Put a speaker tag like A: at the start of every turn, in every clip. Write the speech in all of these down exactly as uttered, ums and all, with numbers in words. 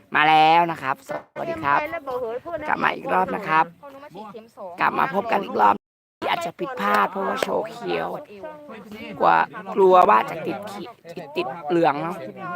A: มาแล้วนะครับสวัสดีครับกลับมาอีกรอบนะครับ กลับมาพบกันอีกรอบที่อาจจะผิดพลาดเพราะว่าโชว์เขียวกว่ากลัวว่าจะติดขีติดติดเหลืองเนาะ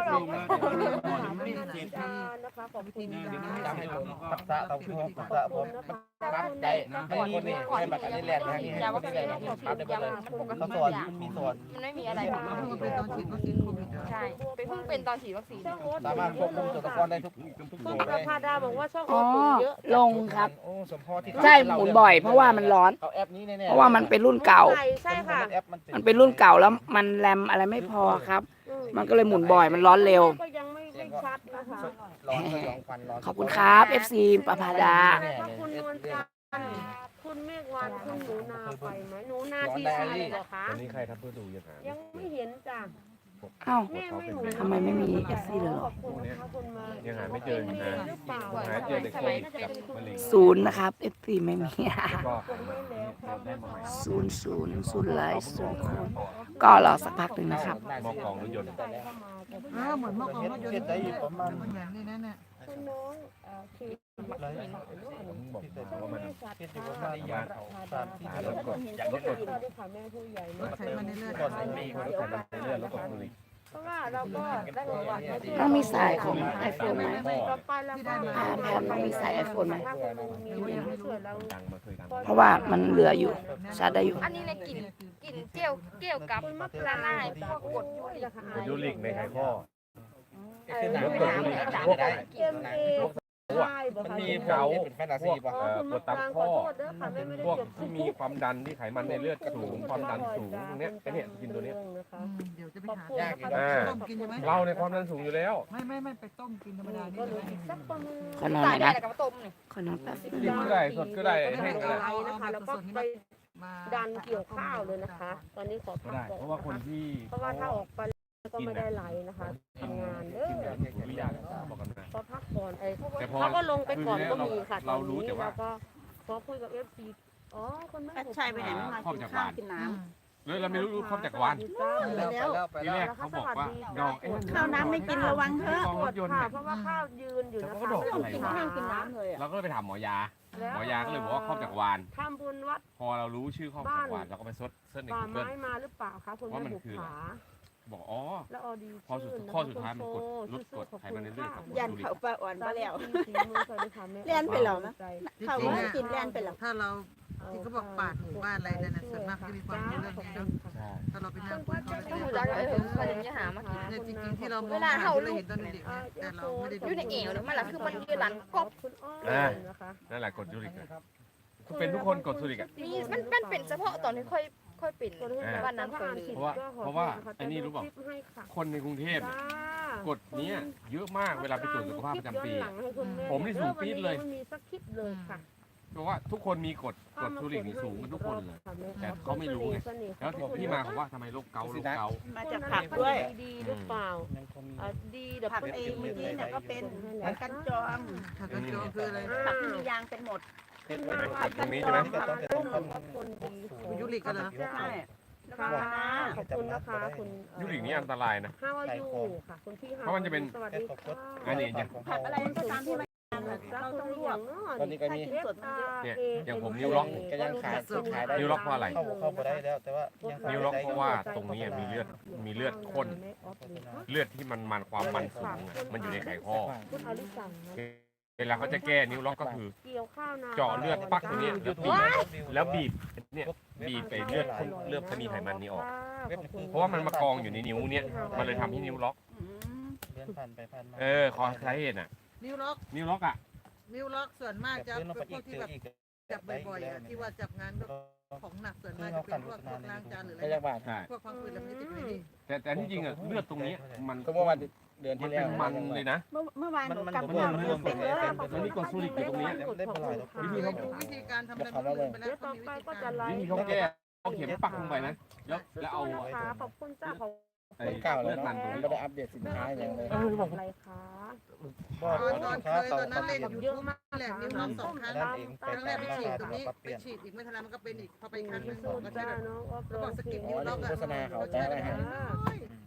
B: ใจให้คนนี้ให้บัตรนี้แลนด์ให้ให้คนนี้แลนด์ครับได้เลยเขาสอนมันมีสอน
C: มันไม่มีอะไรใช่ไปเพิ่งเป็นตอนฉีดวัคซีน
B: สามารถควบคุมตัวตะกอนได้ทุกทุก
D: คุ
B: ตั
D: ณ
B: ว
D: ประภาดาบอกว่าช่อง
A: อ๋อ
D: โอเยอะ
A: ลงครับ
B: โอ้สมพอที่
A: ใช่หมุนบ่อยเพราะว่ามันร้อน
B: เอาแอปนี้แน่ๆ
A: เพราะว่ามันเป็นรุ่นเก่า
D: ใช่ค่ะ
A: มันเป็นรุ่นเก่าแล้วมันแรมอะไรไม่พอครับ มันก็เลยหมุนบ่อยมันร้อนเร็ว
D: ก็ยังไม่ไม่ชัดนะคะ
B: ร้อนร้อนควันร้อน
A: ขอบคุณครับ เอฟ ซี ประภาดา
D: ขอบคุณนวลจันทร์คุณเมฆวันคุณหนูนาไปไหมหนูนาทีสี่เหรอคะ
E: วันนี้ใครทำเพื่อดูยังหา
D: ยังไม่เห็นจ้ะ
A: อ้าว
D: แม่ไม่หนู
A: ทำไมไม่มี เอฟ ซี เลยเหร
D: ข
A: อ
D: อบคุณนะคะคุณมา
E: ยังหาไม่เจออยู่นะ
D: หรือเปล่า
E: หาเจอแต่โควิดกับมะเร็ง
A: ศูนย์นะครับ เอฟ ซี ไม่มี
E: ก็หามาได้มาใหม่
A: ศูนย์ศูนย์ศูนย์ไลฟ์ศูนย์โคนก็รอสักพักหนึ่งนะครับ
E: หมอกองรถยนต์
F: เออเหมือนเมื่อก่อนรถยนต์
B: ได้ประมาณ
F: มันเหมือนนี่นั่นน่ะ
D: คุณน้องเอ่อคือ
E: ผมบอกว่ามัน
B: ที่ที่ประมาณยาเขาสามที่
E: หารถกดอย่างรถกด
D: ด้วยค่ะแม่ผู้ใหญ่
F: รถไขมันในเลือด
E: ก่อนมีคนรถไขมันในเลือดรถกดบุหรี่
D: เพราะว่าเราก็ได้ประวัติมาที่
A: ต้องมีสายของ iPhone ไหม
D: ต่อไปแล้วก็
A: อ่าแพมต้องมีสาย iPhone ไหม
D: ถ้าคุณมีเงินไม่ช่วยเรา
E: ดังมาเคยดัง
A: เพราะว่ามันเหลืออยู่ชาร์จได้อยู่
C: อันนี้ในกลิ่นกลิ่นเจียวเกี่ยวกับละลายพวกกดยูริก
E: กดยูริกในไขข้อ
B: คือหนัง
E: รถกดบุหรี่พวก
B: ได้
D: เอ็มเอใช่บ่
B: มัน
D: คะ
B: มีเกาเป็นแฟนตาซีป่ะ
D: อ๋อคุณมะปรางขอโทษเด้อค่ะแม่ไม่ได้
E: พวก
D: เก็บ
E: ที่มีความดันที่ไขมันในเลือดสูงความดันสูงตรงเนี้ยไอ้เนี่ยกินตัวเนี้ย
D: นะคะ
F: อืมเดี๋ยวจะไป
D: ขอบ
F: หา
D: คุณนะคะ
E: อ่า
F: ต้มกินใช่ไหม
E: เราในความดันสูงอยู่แล้ว
F: ไม่ไม่ไม่ไปต้มกินธรรมดานี่
D: ก็
F: เล
D: รู้
F: ย
D: สึกสักประมาณ
A: ขอนอนห
C: ตา
A: น่
C: ย
A: อย
C: ได้
A: นะ
C: แต่กับต้มนี่
A: ขอนอนแป๊บนึง
E: ดิบก็ได้สดก็ได้แห้งก็ได้
D: ไว้นะคะแล้วก็ไป
F: มา
D: ดันเกี่ยวข้าวเลยนะคะ ตอนนี้ขอ
E: ก็
D: พัก
E: ได้
D: ก่อน
E: เพราะว่าคนที่
D: เพราะว่าถ้าออกไปก็ไม่ได้ไหลนะคะทำงานเด้อ
E: วิทยาบอกกันนะ
D: พอพักก่อนไอ้
E: แต่พอ
D: เขาก็ลงไปก่อนก็มีค่ะ
E: เรารู้แต่ว่า
D: ก็ขอคุยกับเอฟซีอ๋อคนแม่
G: ใช่ไปไหนไม่มากินข้าวกินน้
E: เลยเราไม่รู้ครอบจักรวาล
B: แล้วไป
E: ที
B: แล้ว
E: แรกเขาบอกว่าดอกเอ๊ะ
G: ำข้าวน้ำไม่กินระวังเถอะ
E: กองรถยนต์
D: ค่ะ
E: เนี่ย
D: เพราะว่าข้าวยืนอยู่นะ
E: แล้ว
D: คะ
E: ก็ดอกอะไร
G: กิน
E: วะ
G: ข้าวกินน้ำเลยอ่ะ
E: เราก็เลยไปถามหมอยา หมอยาก็เลยบอกว่าครอบจักรวาล
D: ทำบุญวัด
E: พอเรารู้ชื่อครอบจักรวาลเราก็ไปเซิร์ชเซิร์ชใน
D: ป่า
E: กูเกิ
D: ไม้
E: ล
D: มาหรือเปล่าคะคุณแม่บุกขา
E: บอกอ๋อ
D: แล้วออดี
E: พอสุดข้อสุดท้ายมันกดลดกดไขมันในเลือดกับ
G: ยันเขาปลาอ่อนไปแล้ว
D: เล่นไปแล้วนะ
F: ที่
G: ข้าว
F: จริง
G: ไม่
F: เนี่ย
G: กินแล่นไปแล้ว
F: ถ้าเราที่เขาบอกปาดหมู่บ้านอะไรนั่นน่ะส่วนมากจะมีความรู้เรื่องนี้เนาะ
E: ใช่
F: ถ้าเราไปนั่งคุยเขา
C: ต้อง
F: จะ
C: รู้
F: ได้
C: จักเออเขาจะมีหามากิน
F: เนี่ยจริงๆที่เรามอง
C: เวลาเห่าลูก
F: เห็นตอนเด็กเนี่ยแต่เราไม่ได้
C: อยู่ในเอวเนี่ยมันละคือมันยืนหลังกบ
E: นั่นแหละกดยูริกอะคือเป็นทุกคนกดยูริกอ่ะ
C: มีมันมันเป็นเฉพาะตอนที่ค่อยค่อยเป็นวันนั้นคนเลย
E: เพราะว่าเพราะว่าไอ้นี่รู้เปล่า คนในกรุงเทพเนี่ยกดเนี้ยเยอะมากเวลาไปตรวจสุขภาพประจำปีอะ ผมนี่สูงปี๊ดเลย
D: มีสักคลิปเลยค่ะ
E: เพราะว่าทุกคนมีกดกดยูริกนี่สูงกันทุกคนเลย แต่เขาไม่รู้ไง แล้วที่มาของว่าทำไมโรคเกาต์โรคเกาต์
G: มาจากผักด้วย
D: ดีหรือเปล่า
B: ยังคงมี
D: อ่ะดีเดี๋ยว
G: ผักไอ้เมื่อกี้เนี่ยก็เป็นผักกันจอม
F: ถ้ากันจองคืออะไร
G: ผักที่มียางเป็นหมด
B: เห็นไหม
E: กดตรงนี้ใช่ไหม
B: ก็ต้องเป็นต้น
D: คนดีของ
F: ยุริกกันเหรอ
G: ใช่แล้วก็
D: ค่ะ
G: คะน้า
D: ขอบคุณนะคะคุณเอ่อ
E: ยูริกนี่อันตรายนะ
D: ห้าวายูค่ะคุณพี่
E: เพราะมันจะเป็น
D: สวัสดีค่ะ
E: อันนี้อย่าง
G: ผักอะไรก็ตามที่มันยางอะเราต้องลวก
B: ตอนนี้ก็มี
G: ถ้ากินสดมันเยอะ
E: เนี่ยอย่างผมนิ้วล็อก
B: ก็ยังขายขายได้
E: นิ้วล็อกเพราะอะไร
B: เข้าเข้าไปได้แล้วแต่ว่ายังขาย
E: นิ้วล็อก
B: ได้
E: เพราะว่าตรงนี้มีเลือดมีเลือดข้นเลือดที่มันมันความมันสูงอะมันอยู่ในไขข้อ
D: คุณอลิสังนะ
E: เวลาเขาจะแก้นิ้วล็อกก็คือ
D: เกี่ยวข้าวนา
E: เจาะเลือดปักตรงนี้แล้วบีบแล้วบีบเนี่ยบีบไปเลือดข้นเลือดที่มีไขมันนี้ออก เพราะว่ามันมากองอยู่ในนิ้วเนี่ยมันเลยทำให้นิ้วล็อก
G: อืม
B: เดินผ่านไปผ่านมา
E: เออขอสาเหตุน่ะ
F: นิ้วล็อก
E: นิ้วล็อกอ่ะ
F: นิ้วล็อกส่วนมากจะ
B: เดินลง
F: เป็
B: ไป
F: นพ
B: อี
F: วก
B: ก
F: ที่
B: เจ
F: แบบ
B: ออีก
F: จับบ่อยๆอะที่ว่าจับงานของหนักส่วน
B: คื
F: มา
B: อก
F: จะ
B: เขา
F: เป็น
B: ขัน
F: พวกพวก
B: รถนาน
F: ล้างจานหรืออะ
B: พ
F: ไร
B: ยาบาล
E: ใช่
F: พวกความฝืนอะไรมันจะติดอยู่ในนี้
E: แต่แต่ที่จริงอ่ะเลือดตรงนี้มัน
B: ก็ว่าวันเดือน
E: มัน
B: ที่แล้
E: เป็
B: วน
E: มันเลยนะ
G: เมื่อเมื่อวานหนู
B: มัน
G: กลับ
B: มัน
G: มา
B: มัน
G: เต็มเลยอะ
E: มันมีกดซูริกอยู่ตรงนี้
B: ได้ปล่อย
E: วิธีเขา
F: ดูวิธีการทำอะไรมันลืมไปแล้ว
D: เดี๋ยว
F: เขา
D: ต่อ
F: มีวิ
D: ไป
F: ธี
D: ก็
F: การ
D: จะไลฟ์
E: วิธีเขาแก้เอาเข็มปักลงไปนะแล้วแล้วเอา
D: นะคะขอบคุณจ้าของ
E: ไอ้
B: เก่า
E: เลื
B: แล้
E: อ
B: ว
E: ดมันตรงนี้
B: ไม่ได้อัปเดตสินค้าอย่างเลย
E: เออบอก
D: อะไรคะ
B: ก็
F: ตอนตอน
B: สินค้า
F: เคย
B: เต่า
F: ตอนนั้นเล่น
B: ครับ
F: ยู
D: เย
F: ทู
D: อะ
F: บ
D: มาก
F: แหละนิ้วล็อกสองครั้ง
B: นั่นเอง
F: ครั้งแรกไปฉีดตรงนี้
B: ปรับเป
F: ไป
B: ลี่ยน
F: ฉีดอีกไม่ทันแล้วมันก็เป็นอีกพอไปครั้งหนึง
D: สู้
F: ก็
D: จ้า
F: แบบ
D: น้องออฟ
F: เขาบอกสกิน
D: โร
F: นิ้วล็อกอะ
B: โฆษณาเขาแต่อะไรฮะ
F: ม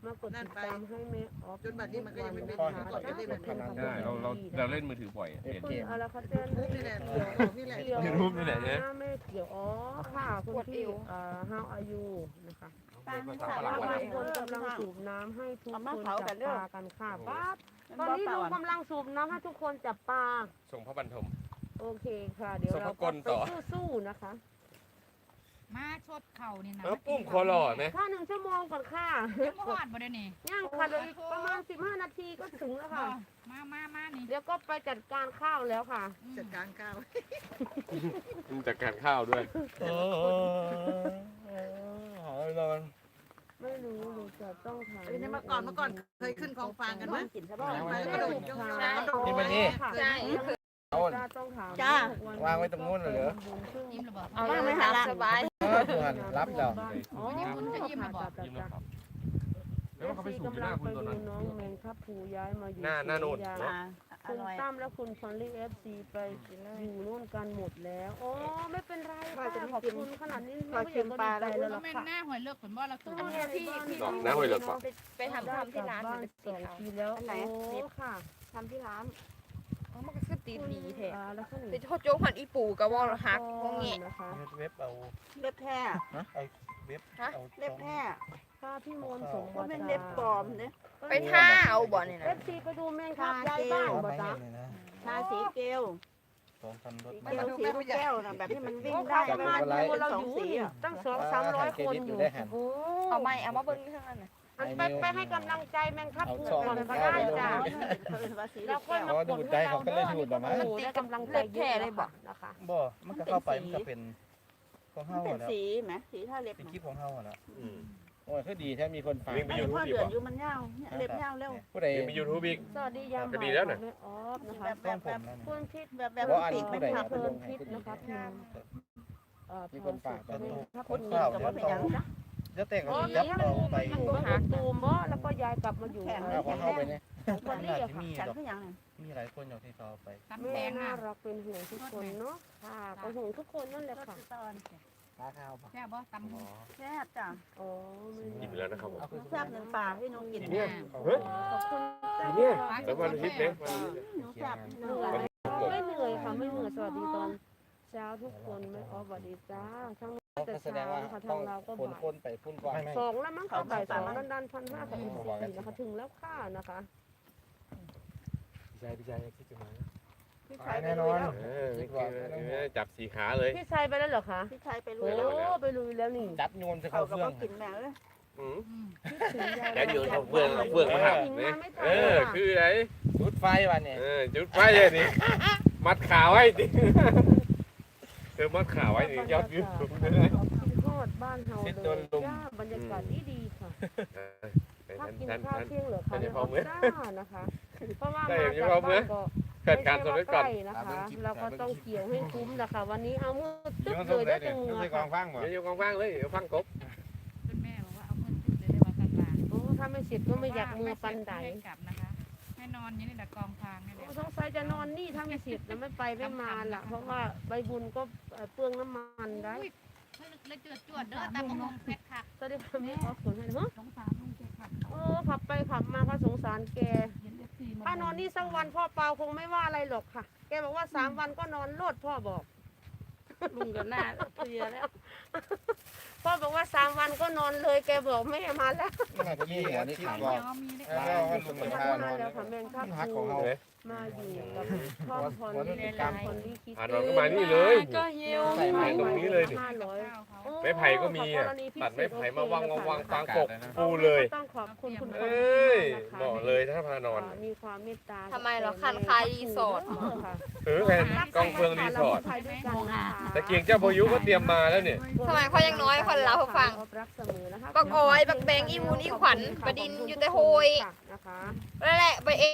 D: มากดติดตามให้แม่ออฟ
F: จนบัดนี้มันก็ยังไม่เป็น
D: นะคะ
F: ก่อนจะได้แบบนี้
E: ใช่เราเราเราเล่นมือถือบ่อยอะเห็น
D: คุณอะไรคะเจน
F: นี่แหละนี่แหละ
D: เกี่ยว
E: ในรูปนี่แหละเนี่ย
D: แม่เกี่ยวอ๋อค่ะคุณพี่เอ่อ how are you นะคะ
G: ป้าไม่ใส่
D: บาง
G: ไว้
D: คนกำลังสูบน้ำให้ทุกคนจับปลากันค่ะป้าตอนนี้ลุงกำลังสูบน้ำให้ทุกคนจับปลา
E: ส่งพระบรรทม
D: โอเคค่ะ เดี๋ยวเรา
E: ส่งพระกลต่อ
D: ไปสู้ๆนะคะ
C: มาชดเข่านี่นะ
E: แล้วปุ้มคอหล่อไหม
D: ถ้าหนึ่งชั่วโมงก่อนค่ะ
C: ยังบ่ฮอดบ่ได้นี่
D: ย่างค่ะเดี๋ยวอีกประมาณสิบห้านาทีก็ถึงแล้วค่ะ
C: มามามานี่
D: เดี๋ยวก็ไปจัดการข้าวแล้วค่ะ
F: จัดการข้าว
E: มันจัดการข้าวด้วย
B: เออหอยนอน
D: ไม่รู้หนูจะต้องถาม
F: เมื่อก่อนเมื่อก่อนเคยขึ้นกองฟางกันไหม
G: กินซะบ้าง
F: ไปกระโดดยก
D: ใช่
B: นี่มันนี่
C: ใช่
B: เอา
D: จ้าต้องถาม
G: จ้า
B: วางไว้ตรงนู้นเลยเหรอ
C: ยิ้มระเบิด
G: เอายังไม่หาละสบาย
B: เออเพื่อนรับแล้ว
D: อ๋อ
C: ยิ้มจะยิ้มระเบิด
E: ยิ้มแล้วครับ
D: เอ
E: แล้ว
D: ฟ
E: เขาไป
D: ซี
E: สูบอยู่
D: กำ
E: ห
D: ลั
E: น้าง คุ
D: ไป
E: ณตัว
D: ดู
E: นั้น
D: น้องแมงครับผูย้ายมาอยู่
E: หน้าหน้าโน่น
D: ศรีย
G: อ่าอ
D: คุณ
G: ร่อย
D: ตั้มและคุณฟอนลี่เอฟซีไปอยู่นู่นกันหมดแล้วอ๋อไม่เป็นไรค่ะขอบคุณขนาดนี้ไม่อยากก็ดีใจแล้วล่ะ
C: แม่
D: ค่ะ
C: หน้าหอยเลือกผลบ่เราตัว
D: อันนี้พี่พี่
E: ดอกน้าหอยเหลือกปะ
G: ไปทำทำที่ร้าน
D: บ้านสองทีแล้ว
G: อันไหน
D: โอ้ค่ะ
G: ทำที่ร้าน
C: มันก็คือตีนดีแท้
D: อ่าแล้วก็หนู
C: แต่โคโจกหันอีปู่กับว่าหักวงเงี้ย
D: นะคะ
B: เว็บเอา
G: เล็บแท้
B: ไอ้เว็บเอา
G: เล็บแท้
D: ถ้าพี่มนต์ส่ง
G: ว่า
D: มา
G: เป็นเล็บปลอมเนี่ย
C: ไปท่าเอาบ่นี่
D: เอ
C: นะ
D: ฟซีไปดูแมงครับยายบ้างบ่จ๊ะ
G: ชาสีเกล
B: สองพันรถ
G: สีเกลสีลูกแก้วนะแบบที่มันวิ่ง
D: โอ้
G: ได้
D: ค่ะประมาณ
B: ไม่
D: ดู
B: เป็นไร
D: เราอยู่นี่ตั้งสองสามร้อยคนอยู่โอ้
C: เอาไม่เอามาเบิ่งข้างนั้นน่ะ
D: อันไปไปให้กำลังใจแมงครับ
B: เอา
D: ผู
B: ซอง
D: ก่อน
B: หนึ่ง
D: ก็
B: เข้า
D: ได้
B: ไปลง
D: จ้ะ
G: ว่าสี
D: แล้
G: ลู
D: ว
G: ก
D: ก็
G: แก้ว
B: อ๋อดูดใจเขาก็เลยดูดออกมา
D: โอ้ได้กำลังใจเยอะเลยนะคะ
B: บ่ มันก็เข้าไปมันก็เป็นของ
G: มัน
B: เฮา
G: เป็น
B: แล้ว
G: สีไหมสีท่าเล็บ
B: เป็นคลิปของเฮาแล้ว
E: อืม
B: โอ้ยคือดีแท้มีคนฟัง
E: วิ่งไป
G: ไอ้
E: ยูทู
G: พ่
E: บ
G: อ
E: ดี
G: เดื
E: ก
G: อด
E: ว่า
G: อยู่มันเน่าเนี่ยเล็บเน่าเร็ว
B: ผู้ใด
E: วิ่งไปยูทูบอีก
D: สวัสดียาม
E: ก็ดีแล้วน่ะ
D: แม่ออฟนะคะ
G: แบบแบบ
B: ต้อง
G: แบบ
B: ผมแล้วนี่
D: คุณพิษ
G: แบบแบบ
B: ว่าอัน
G: ปีก
B: ผู้
G: เป็น
B: ใด
G: ผัก
D: เพลินพิษนะคะพิมพ์เอ่อ
B: มีคนฝาก
D: พาสุข
B: แบบ
D: คน
B: นี้
D: นี้
G: กับว่าเป็นยังจ้ะ
B: เดี๋ยวแต่ง
D: อ๋อ
B: ยับ
D: นี่
B: เอาไป
D: มันอยู่หาตูมบ่แล้วก็ย้ายกลับมาอยู่
B: เอาของเข้าไปเนี่ย
D: คนนี้
B: น่า
D: อะ
B: จะ
D: ค่ะ
B: มี
G: ฉัน
B: ดอก
G: ก็ยัง
B: มีหลายคนอยู่ที่เขาเอาไป
C: ตำแต
D: แม่
C: ง
D: น่า
C: อ่ะ
D: รักเป็นห่วงทุกคนเนาะค่ะก็ห่วงทุกคนนั่นแหละค่ะ
B: ปลาข้าวปะ
C: แซ่บบ่ตำ
B: อ๋อ
G: แซ่บจ้ะ
D: อ๋อไม่
E: กินไปแล้วนะครับผม
B: เอาคือ
G: แซ่บหนึ่งปลาให้น้องกิน
E: ที
G: เนี่
E: เนี้ยเฮ้ย
D: ขอบคุณ
E: ทีเนี้ยแล้ววันอาทิตย์เนี่ย
G: หนูแซ่บ
D: เหนื่อยไม่เหนื่อยค่ะไม่เหนื่อยสวัสดีตอนเช้าทุกคนไม่ออฟสวัสดีจ้าทั้งแต่
B: ก็แสด
D: เช้าง
B: ว่า
D: นะคะ
B: ต้
D: ทา
B: อง
D: งเราก็
B: คน
D: บ่าย
B: คนไปพุ่นก่อน
D: สองแล้วมั้งเขาบ่ายสองดันดันพันห้ากับอีกสี่นะคะถึงแล้วค่ะนะคะ
E: พี่ชายพี่ชายคิดจะมา
G: พี่ชายไปลุยแล้ว
E: เออจับสีขาเลย
D: พี่ชายไปแล้วเหรอคะ
G: พี่ชายไปลุ
D: โอ้
G: ยแล้ว
D: ไปลุยแล้วนี่
B: จับโยนจะ
G: เขา
B: เข้า
G: ก็
B: เฟื่อง
G: กินแมวเลย
E: อืม
C: อืม
D: คิดถึงยาย
E: แล้วโยนเอาเฟืองเอาเฟืองมาหักเนี่ยเออคืออะไร
B: จุดไฟวันนี้
E: เออจุดไฟเลยนี่มัดขาไว้ดิเออมัดขาไว้นี่ยอดวิวสูงเลย
D: ทอดบ้านเฮาเลยจ้าบรรยากาศดีดีค่ะ ถ้ากิน
E: ท่าน
D: ข้าว
E: ท่าน
D: เที่ยงเหลือค่ะ
E: ท่านจะ
D: ใน
E: พ
D: อ
E: อ
D: อฟ
E: มื้อ
D: จ้านะคะเพราะว่า
E: ได้
D: มา
E: อย่า
D: จาก
E: พอมื้
D: บ้า
E: อ
D: นก็
E: เกิดการสนไว้ก่อน
D: ไม่ใช่ว่าใกล้นะคะ เราก็ต้องเกี่ยวให้คุ้มนะคะวันนี้เอามือตึ๊บเลยได้จังเงือ
B: ไม่ก
D: ค่ะ
B: องฟังบ่
E: เดี๋ยวอยู่กว้างๆเลยเดี๋ยวฟังกบ
C: คุณแม่บอกว่าเอามือติดเลยได้ว่ากันลา
D: โอ้ถ้าไม่เสร็จก็ไม่อยากมือปันได
C: ให้กลับนะคะให้นอนอยู่นี่แหละกองฟางนี่แหละ
D: สงสัยจะนอนนี่ถ้าไม่เสร็จจะไม่ไปไม่มาล่ะ เพราะว่าใบบุญก็เปลืองน้ำมันได้
C: เลยเจือดจวดเด้อตามมงเพชรค่ะ
D: ตอนนี้ไม่ออกผลให้เนาะ
C: สงสารลุงเจ็บค่ะ
D: โอ้ขับไปขับมาก็สงสารแก
C: เห็นเอฟซีมา
D: ถ้านอนนี่สักวันพ่อเปาคงไม่ว่าอะไรหรอกค่ะ แกบอกว่าสามวันก็นอนโลดพ่อบอก
G: ลุงกับหน้าเพลียแล้ว
D: พ่อบอกว่าสามวันก็นอนเลยแกบอกไม่มาแล้ว
B: น่าจะมีหัวนี่ขา
C: ขาย
B: ก่อน
C: ยอมีได้
B: แล้วก็ลุงมันพา
D: มา
B: นอน
D: แล้วค่ะแมงครับ
B: หัก
D: ค
B: ข
D: รู
B: องเฮา
D: มาอยู่กับพ่อพรนี่ตามคนที่คิด
E: ผ่านนอนก็มานี่เลย
G: ก็หิว
E: ใส่ไม้ตรงนี้เลยดิ
D: ห้าร้อย
C: ข้าวเขา
E: ไม้ไผ่ก็มีอ่ะตัดไม้ไผ่มาวางวางวางฟางกบปูเลย
D: ต้องขอบคุณคุณ
E: เอ้ยบอกเลยถ้าพานอน
D: มีความเมตตา
C: ทำไมเหรอคันคายรีสอร์ท
E: เออแผ่นกองเฟืองรีสอร์ท ตะเกียงเจ้าพายุก็เตรียมมาแล้วเนี่ย
C: สมัยเขายังน้อยคนเราเขาฟัง บักอ้อยบักแบงอีวูนอีขวัญประดินอยู่แต่โฮย
D: นะคะ
C: นั่นแหละไปเอง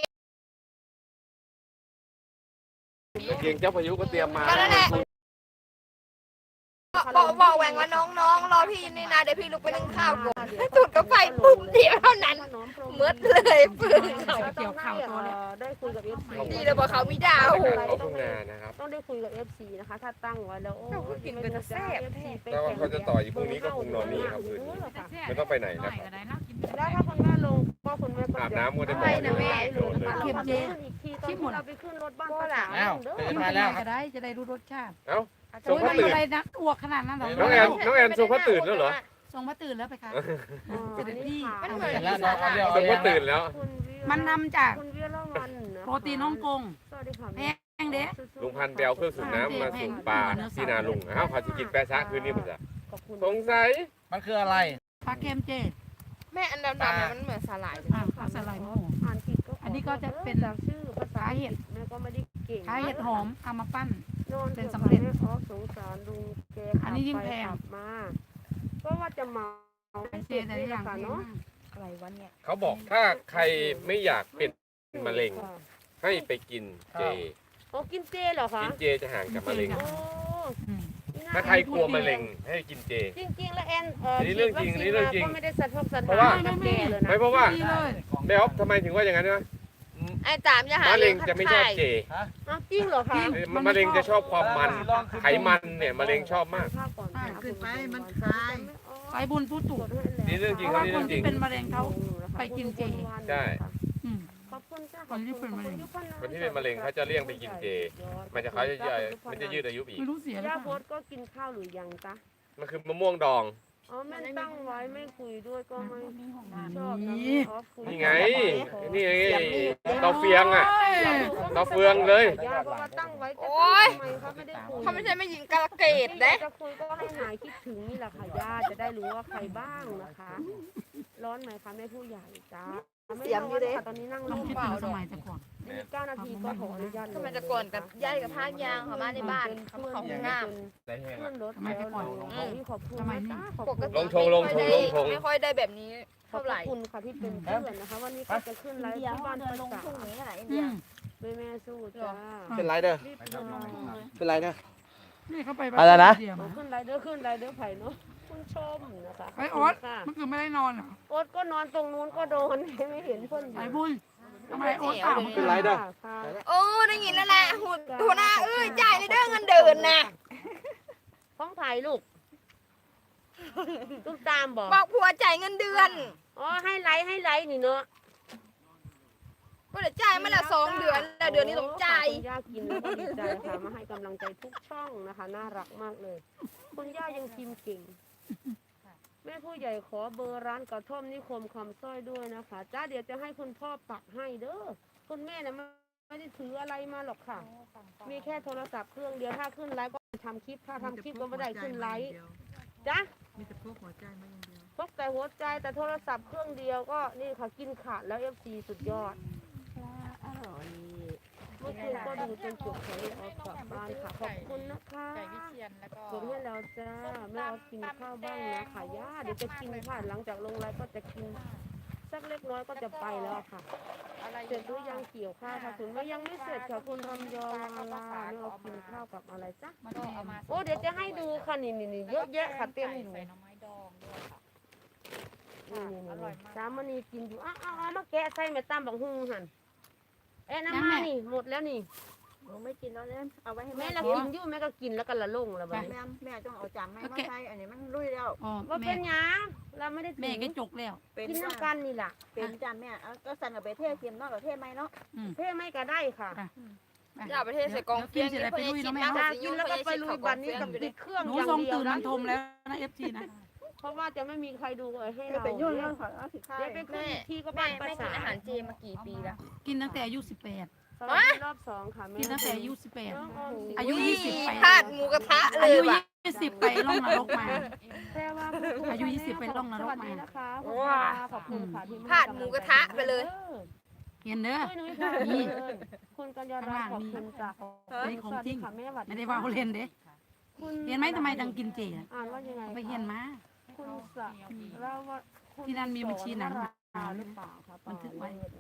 E: ตะเกียงเจ้าพายุก็เตรียมมา
C: ก็นั่นแหละบอกบอกแหวงว่าน้องๆรอพี่นี่นะเดี๋ยวพี่ลุกไปนึ่งข้าวก่อนจุดกาแฟปุ๊บเดียวเท่านั้นเมื่อเลยปืนเขา
D: เกี่ยวข่าวตัวแล้วได้คุยกับ เอฟ ซี
C: ดีเลยบอกเขามีดาว
E: เขาทุ่งนานะครับ
D: ต้องได้คุยกับ เอฟ ซี นะคะ ถ้าตั้งไว้แล้วโอ้
C: กินเป็นแซ่บ
E: แต่ว่าเขาจะต่ออีกพรุ่งนี้ก็คงนอนนี่ครับคืนนี้ไม่ต้องไปไหนนะครับ
D: แล้วถ้าคุณแม่ลงก็คุณแม่ก็
E: อาบน้ำก็ได้
C: ไปนะแม่
E: โดนเลย
D: เข็มเจอีกทีตอนที่เราไปขึ้นรถบ้านป้าจ๋า
B: อ้าว
D: เด้อ
B: เป็นมาแล้วค
G: ก็
B: รับ
G: ได้จะได้รู้รสชาติ
E: เอ้า
G: โอ้ยไม่อะไรนักอ้วกขนาดนั้นหรอ
E: น้องแอนน้องแอนทรงพระตื่นแล้วเหรอ
G: ส่งมาตื่นแล้วไปคะ
D: เสด็จพี่
C: มันเหมือน
B: แล้วน้องเขาเรียก
E: ทรงพระตื่นแล้ว
G: มันนำจาก
D: คุณเวียละวันนะ
G: โปรตีนฮ่องกง
D: สวัสดีค่ะ
G: แพงเด้
E: ลุงพันธุ์ไปเอาเครื่องสูบน้ำมาสูบปลาที่นาลุงอ้าวพาจะกินแปะซะคืนนี้มันจะ
D: ขอบคุณ
E: สงสัย
B: มันคืออะไร
G: ปลาเค็มเจ
C: แม่อันดำๆเนี่ยมันเหมือนสาหร่าย
G: อ่าปลาสไลด์หมู
D: อ่านผิดก็
G: อันนี้ก็จะเป็น
D: จากชื่อภาษาอังกฤษแม่ก็ไม่ได้เก่ง
G: ขายเห็ดหอมเอามาปั้น
D: นอน
G: เป็นสำเร็จ
D: แม่ขอสงสารลุงแก
G: อันนี้ยิ่งแพง
D: ขับมาก็ว่าจะเมา
G: เจแต่ละอย่างแพง
D: เนาะ
G: มาก
C: อะไรวะเนี่ย
E: เขาบอกถ้าใครไม่อยากเป็นมะเร็งให้ไปกินเจ
D: โอ้กินเจเหรอคะ
E: กินเจจะห่างจากมะเร็ง
D: โอ้
G: อืม
E: ถ้าใครกลัวมะเร็งให้กินเจ
D: จริงๆแล้วแอนเออ
E: อันนี้เรื่องจริง
D: ฉีด
E: อันนี้เรื่องจริง
D: วัคซีนมาก็ไม่ได้สะทกสะ
E: เพ
D: ท้า
E: ราะว่า
D: นกับแกเลยนะ
E: ไม่เพราะว่า
G: ดีเลย
E: แม่อ๊อฟทำไมถึงว่าอย่างนั้นนะ
C: ไอ้จามจะหาม
E: ะเร็งจะไม่ชอบเจ
D: อ้าวจริงเหรอคะ
E: มะเร็งจะชอบความมัน ไขมันเนี่ยมะเร็งชอบมาก
D: ภาพก่อนค่ะ
F: ขึ้นไปมันคลาย
G: สายบุญผู้ถูก
E: นี่เรื่องจริง
G: เพราะ
E: ครับ
G: ว่า
E: นี่
G: ค
E: เรื่
G: น
E: องจริง
G: ที่เป็นมะเร็งเขาไปกินเจ
E: ใช่
G: อืม
D: ขอบคุณจ้า
G: คนที่เป็นมะเร็ง
E: คนที่เป็นมะเร็งเขาจะเลี่ยงไปกินเจ มันจะเขาจะย่อยมันจะยืดอายุอีก
G: ไม่รู้เสียหรื
D: ย่า
G: อ
D: โพ
G: เปล่า
D: สก็กินข้าวหรือยังจ๊ะ
E: มันคือมะม่วงดอง
D: อ๋อแม่ตั้งไว้ไม่คุยด้วยก็ไม่ชอบ
G: นี่
D: ออฟคุย
E: นี่ไง นี่ไงเตาเฟียงอ่ะ เตาเฟืองเลย
D: ย่าเพราะว่าตั้งไว้ก็
C: โอ๊ย
D: ทำไมเขาไม่ได้คุย
C: เขาไม่ใช่ไม่ยิงกระเกด
D: ที่
C: เด้
D: จะคุยก็ให้หายคิดถึงนี่แหละค่ะย่าจะได้รู้ว่าใครบ้างนะคะ ร้อนไหมคะแม่ผู้ใหญ่จ้าเสียงอยู่เด้ตอนนี้นั่ง
G: ต้อง
D: ร่ม
G: คิด
D: เปล่า
G: ถึงส
D: ดอก
G: มัยแต่ก่อน
D: อีกเก้านาทีก็ขออนุญาต
C: ทำไมจะก่อนกับย่ายกับพากยางเขามาในบ้านเขามาเขาห้องน้ำ
E: ได้แห้ง
D: ขึ้นรถแล้วเลยขอบคุณนะจ๊ะขอบ
C: ป
D: คุณ
C: กติ
E: ลงทงลงทงลงทง
C: ไม่ค่อยได้แบบนี้
D: ขอบ
C: เท่าไหร่
D: คุณค่ะที่เป็นเพื่อนนะคะ วันนี้ก็จะขึ้นไลฟ์ที่บ้านป้าจ๋า
G: อืม
D: แม่แม่สู้จ้า
B: เป็นไรเด้อ
D: รีบนอน
B: เป็นไรเด้อ
G: นี่เขาไป
B: อะไรนะ
G: เดียวมา
D: ขึ้นไลฟ์เด้อขึ้นไลฟ์เด้อไผ่เนาะคุณชมนะคะ
G: ไอ้โอ๊ต
D: ค่ะ
G: เมื่อคืนไม่ได้นอนเหรอ
D: โอ๊ตก็นอนตรงนู้นก็โดนไม่เห็นเพื่อนอ
G: สาย
D: ยู่
G: บุญทำไมโอ๊ตเปล่าเมื่อคื
B: เป็นไรเด้อ
D: ค่ะ
C: โอ้ได้ยินแล้วแหละหุ่นหัวหน้าเอ้ยจ่ายในเด้อเงินเดินนะ
D: ฟ้องไผ่ลูกลูกตามบอก
C: บอกผัวจ่ายเงินเดือน
D: อ๋อให้ไลฟ์ให้ไลฟ์นี่เนาะ
C: ก็เดี๋ยวจ่ายมาละสองเดือนแล้วเดือนนี้ต้องจ่าย
D: คุณย่ากินแล้วก็ดีใจค่ะมาให้กำลังใจทุกช่องนะคะน่ารักมากเลย คุณย่ายังพิมพ์เก่ง แม่ผู้ใหญ่ขอเบอร์ร้านกระท่อมนิคมคำสร้อยด้วยนะคะจ้าเดี๋ยวจะให้คุณพ่อปักให้เด้อคุณแม่นะไม่ได้ถืออะไรมาหรอกค่ะ มีแค่โทรศัพท์เครื่องเดียวถ้าขึ้นไลฟ์ก็ทำคลิปถ้าทำคลิปก็ไม่ได้ขึ้นไลฟ์จ้ะ
F: มีแต่พวกหัวใจมาอย่างเดียว
D: พกแต่หัวใจแต่โทรศัพท์เครื่องเดียวก็นี่ค่ะกินขาดแล้วเอฟซีสุดยอดเมื่อคืนก็ดูจนจบขอเลยเอากลับบ้านค่ะขอบคุณนะคะ
C: ไก่วิเชียนแล้วก็
D: กดให้แล้วจ้าแม่เอากินข้าวบ้างนะค่ะย่าเดี๋ยวจะกินค่ะหลังจากลงไลฟ์ก็จะกินสักเล็กน้อยก็จะไปแล้วค่ะ
C: อะไร
D: เสร็จหรือยังเกี่ยวข้าวค่ะคุณไม่ยังไม่เสร็จค่ะคุณรำยองวาลาไม่เอากินข้าวกับอะไรจ้ะ
G: มาแทน
D: โอ้เดี๋ยวจะให้ดูค่ะนี่นี่นี่เยอะแยะค่ะเต็มอยู่
C: ใส่หน่อไม้ดองด้วยค่ะ
D: นี่นี่นี่สามณีกินอยู่อ้าวอ้าวเอามาแกะใส่แม่ตามบักฮุงหันเอ้น้ำมานี่หมดแล้วนี่
G: หนูไม่กินแล้วเนี่ยเอาไว้ให้
D: แม่
G: แม่
D: ละกินอยู่แม่ก็กินแล้วก็ละลงแล้วบัดนี้
G: แม่
H: แม่ต้องเอาจานแม่มาใส่อันนี้มันลุยแล้ว
G: อ๋อ
D: ว่า
G: แม่
D: เป็นหยังเราไม่ได้ถื
G: แม่
D: อ
G: ก็จกแล้ว
H: เป็น
D: กิน
H: จาน
D: น้ำกันนี่ล่ะ
H: เป็นจานแม่เอาก็สั่นกับไปเทศเทียมนอกกับเทศไหมเนาะ
G: อืม
D: เพ่ไม่ก็ได้ค่ะ
C: อย่าประเทศใส่กองเฟียง
G: เดี๋ยวกินเสร็จแล้วไปลุยเนาะแม่
D: ถ้า
G: เนาะ
D: กินแล้วก็ไปลุยบัดนี้กับติดเครื่อง
G: หนู
D: อย่าง
G: ทรง
D: เดียว
G: ตื่น
D: นะ
G: มันทมแล้วนะเอฟซีนะ
D: เพราะว่าจะไม่มีใครดูให้
H: เดี๋ยว
D: เรา
H: ไป
D: เดี๋
H: ยุ่
D: ยว
H: งเรื่องของเอาสิค่า
D: ไปขึ้นอีกทีก็
C: แม่
D: บ้านภา
C: ไม่กิ
D: ษาน
C: อาหารเจมากี่ปีแล้ว
G: กินตั้งแต่อายุสิบแปด
D: สวัสดีรอบสองค่ะแม่
G: กินตั้งแต่อายุสิบแปด
D: น้องออมสิน
G: อายุยี่สิบไป
C: พลาดหมูกระทะเล
G: อาย ยุ
C: ว่ะ
G: ยี่สิบไปล่องนรกมา
D: แค่ว่า
G: อายุยี่สิบไปล่องนรกมา
D: สวัสดีนะคะคุณป้าขอบคุณค่ะที่
C: พลาดหมูกระทะไปเลย
G: เห็นเด้อ
D: ช่วยหนุ้ยค่ะ
G: นี่
D: คุณกัญญารัตน์ขอบคุณจ้ะ
G: นี่ของจริง
D: สวัสดีค่ะแม่หวัด
G: ไม่ได้ว่าเขาเล่นเด้
D: คุณ
G: เห็นไหมทำไมดังกินเจอะ
D: อ่านว่ายังไง
G: ไปเห็นมา
D: คุณสะเราว่าคุณ
G: ที่นั่นมีบัญชีหนัง
D: สอนราหรือเปล่าคะ
G: บันทึกไว้
D: นะคะ